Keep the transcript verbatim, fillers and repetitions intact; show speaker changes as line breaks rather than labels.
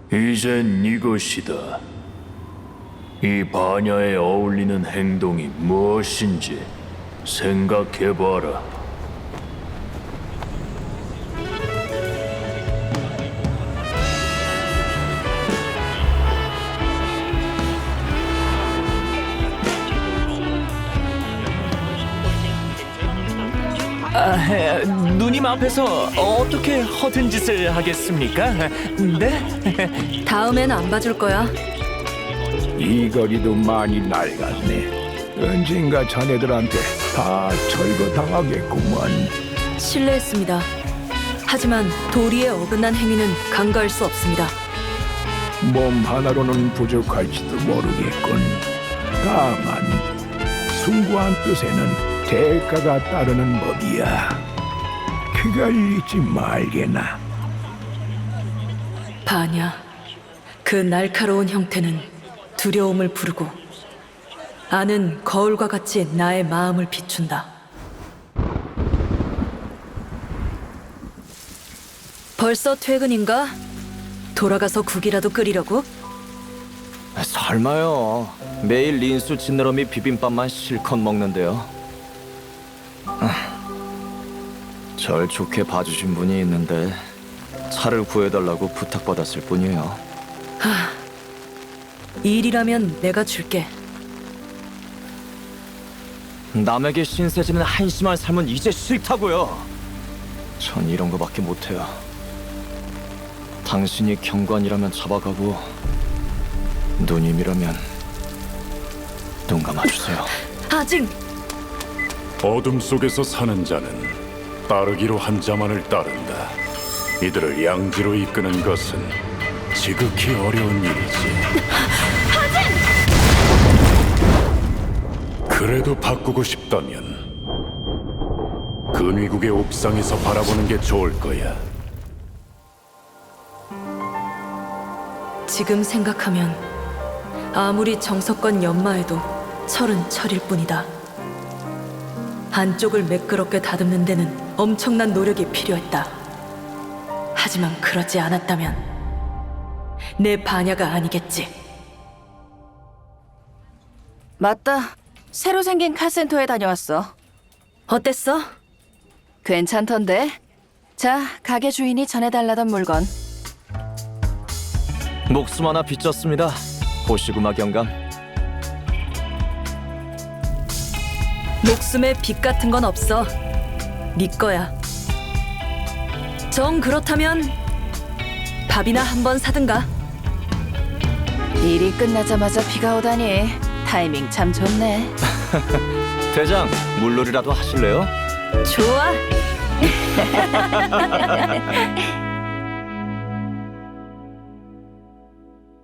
이젠 이것이다. 이 반야에 어울리는 행동이 무엇인지 생각해봐라.
아, 누님 앞에서 어떻게 허튼 짓을 하겠습니까? 네?
다음엔 안 봐줄 거야.
이 거리도 많이 낡았네. 언젠가 자네들한테 다 철거당하겠구먼.
실례했습니다. 하지만 도리에 어긋난 행위는 간과할 수 없습니다.
몸 하나로는 부족할지도 모르겠군. 다만 숭고한 뜻에는 대가가 따르는 법이야. 그걸 잊지 말게나.
반야, 그 날카로운 형태는 두려움을 부르고 아는 거울과 같이 나의 마음을 비춘다. 벌써 퇴근인가? 돌아가서 국이라도 끓이려고?
설마요. 매일 린수 지느러미 비빔밥만 실컷 먹는데요. 아, 절 좋게 봐주신 분이 있는데 차를 구해달라고 부탁받았을 뿐이에요.
일이라면 내가 줄게.
남에게 신세지는 한심한 삶은 이제 싫다고요. 전 이런 거밖에 못해요. 당신이 경관이라면 잡아가고 누님이라면 눈 감아주세요.
아직
어둠 속에서 사는 자는 따르기로 한 자만을 따른다. 이들을 양지로 이끄는 것은 지극히 어려운 일이지. 그래도 바꾸고 싶다면 근위국의 옥상에서 바라보는 게 좋을 거야.
지금 생각하면 아무리 정석권 연마해도 철은 철일 뿐이다. 안쪽을 매끄럽게 다듬는 데는 엄청난 노력이 필요했다. 하지만 그러지 않았다면 내 반야가 아니겠지.
맞다. 새로 생긴 카센터에 다녀왔어.
어땠어?
괜찮던데? 자, 가게 주인이 전해달라던 물건.
목숨 하나 빚졌습니다. 보시구마 경감.
목숨에 빚 같은 건 없어. 네 거야. 정 그렇다면 밥이나 한번 사든가.
일이 끝나자마자 비가 오다니 타이밍 참 좋네.
대장, 물놀이라도 하실래요?
좋아.